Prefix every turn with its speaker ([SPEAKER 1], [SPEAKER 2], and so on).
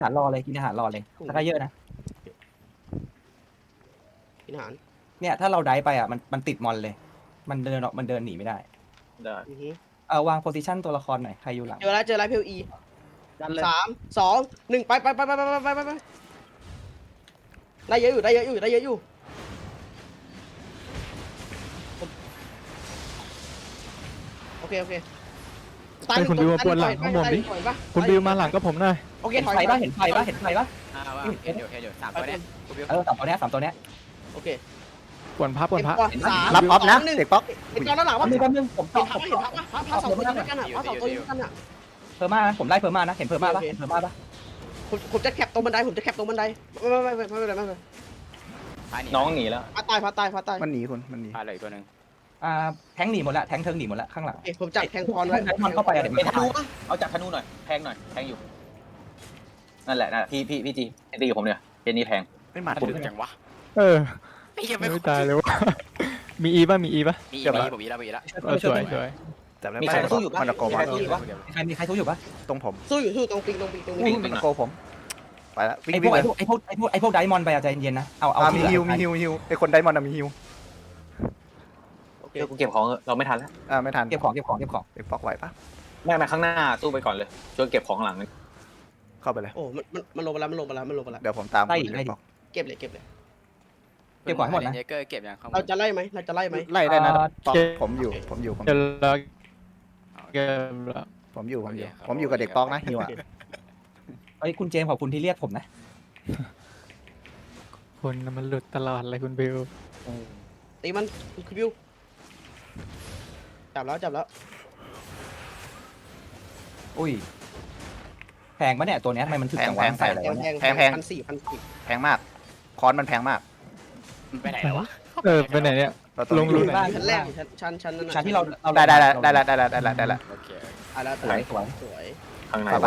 [SPEAKER 1] อาหารรอเลยกินอาหารรอเลยถ้าได้เยอะนะ
[SPEAKER 2] กินอาหาร
[SPEAKER 1] เนี่ยถ้าเราได้ไปอ่ะมันติดมอนเลย มันเดินหนีไม่ได้
[SPEAKER 3] ได้
[SPEAKER 1] วางโพซิชันตัวละครหน่อยใครอยู่หลัง
[SPEAKER 2] เจอแล้วเพลอี
[SPEAKER 3] ดันเลย
[SPEAKER 2] 3 2 1ไปได้เยอะอยู่โอเค
[SPEAKER 4] ให้คุณบิวมาปวนหลังข้างบนดิคุณบิวมาหลังก็ผมหน่อย
[SPEAKER 2] โอเค
[SPEAKER 1] เห็น
[SPEAKER 2] ถอย
[SPEAKER 1] ไฟปะเห็นไฟปะ
[SPEAKER 5] ว่าเห็นอยู่สามตัวเนี้ยกูบิว
[SPEAKER 1] สามตัวเนี้ย
[SPEAKER 2] โอเค
[SPEAKER 4] ปวนพระ
[SPEAKER 6] รับออฟนะเด็กป๊อก
[SPEAKER 2] เห็นตอนด้านหลัง
[SPEAKER 1] แป๊
[SPEAKER 2] ว่า
[SPEAKER 1] บนึงผม
[SPEAKER 2] เห็
[SPEAKER 1] ต่อน
[SPEAKER 2] พระสองตัวด้วยกันอ่ะพระสองตัวด้วยกันอ่ะ
[SPEAKER 1] เพอร์มานะผมไล่เพอร์มานะเห็นเพอร์มาปะเห็นเพอร์มาปะ
[SPEAKER 2] ผมจะแคปตรงบันไดไม่
[SPEAKER 3] น้องหนีแล้ว
[SPEAKER 2] พาตาย
[SPEAKER 6] มันหนีคุณมันหนี
[SPEAKER 5] พาเลยตัวหนึ่ง
[SPEAKER 1] แทงหนีหมดละแทงเทิงหนีหมดละข้างหลัง
[SPEAKER 2] ผมจับแทงพรไว้
[SPEAKER 1] มันเข้าไปเดี๋ยว
[SPEAKER 3] เป็นธนูปะเอาจากธนูหน่อยแทงหน่อยแทงอยู่นั่นแหละพี่จีตีกับผมเนี่ยเจนนี่แทง
[SPEAKER 6] ไม่มา
[SPEAKER 5] ถึงจังวะ
[SPEAKER 4] ไอ้เหี้ยไม่ตายเลยวะมีอีป่ะ
[SPEAKER 5] มีผมมีแล้ว
[SPEAKER 4] สวย
[SPEAKER 6] แต่แล้ว
[SPEAKER 3] มีใครสู้อยู่ปะ
[SPEAKER 6] มันตะโกมา
[SPEAKER 1] มีใครสู้อยู่ปะ
[SPEAKER 6] ตรงผม
[SPEAKER 2] สู้ตรงปิง
[SPEAKER 6] มันตะโกผมไปแล้ววิ่
[SPEAKER 1] ไอง พว
[SPEAKER 6] วิ่
[SPEAKER 1] ก
[SPEAKER 6] งเลย
[SPEAKER 1] ไอพวกไดมอนไปใจเย็นนะเอา
[SPEAKER 6] มีฮิวไอคนไดมอนด์มีฮิว
[SPEAKER 2] โอเค
[SPEAKER 3] เดี๋ยวกูเก็บของเราไม่ทันแล้ว
[SPEAKER 6] ไม่ทัน
[SPEAKER 1] เก็บของ
[SPEAKER 6] เด็กป๊อกไหวปะ
[SPEAKER 3] ไม่ข้างหน้าสู้ไปก่อนเลยช่วยเก็บของหลัง
[SPEAKER 6] เข้าไปเลย
[SPEAKER 2] โอ้มันลงไปแล้ว
[SPEAKER 6] เดี๋ยวผมตาม
[SPEAKER 2] เก็บเลย
[SPEAKER 1] เก็บของให้หมดนะ
[SPEAKER 5] เยเกอร์เก็บอย่างข้างบ
[SPEAKER 2] เรา
[SPEAKER 5] น
[SPEAKER 2] จะไล่ไหม
[SPEAKER 6] ไล่ได้นะป๊อกผมอยู่
[SPEAKER 4] เดี๋ยวเราเก็บแล้ว
[SPEAKER 6] ผมอยู่กับเด็กป๊อกนะฮิวอ่ะ
[SPEAKER 1] เฮ้ยคุณเจมส์ขอบคุณที่เรียกผมนะ
[SPEAKER 4] คนมันหลุดตลอดเลยคุณบิว
[SPEAKER 2] ตีมันคือบิวจับแล้ว
[SPEAKER 1] อุ้ยแพงปะเนี่ยตัวเนี้ยทำไมมันถึงจังหวะใส่อะไรวะเนี่ย
[SPEAKER 2] แพง1,400
[SPEAKER 6] แพงมากคอนมันแพงมาก
[SPEAKER 5] ไปไหนแล้ววะ
[SPEAKER 4] ไปไหนเนี่ย
[SPEAKER 6] ลง
[SPEAKER 2] ชั้นแรกชั้นนั้น
[SPEAKER 1] ชั้นที่เรา
[SPEAKER 6] ได้ละ
[SPEAKER 5] โอเค
[SPEAKER 2] แล้ว
[SPEAKER 1] สวย
[SPEAKER 2] สวย
[SPEAKER 3] ข้างใน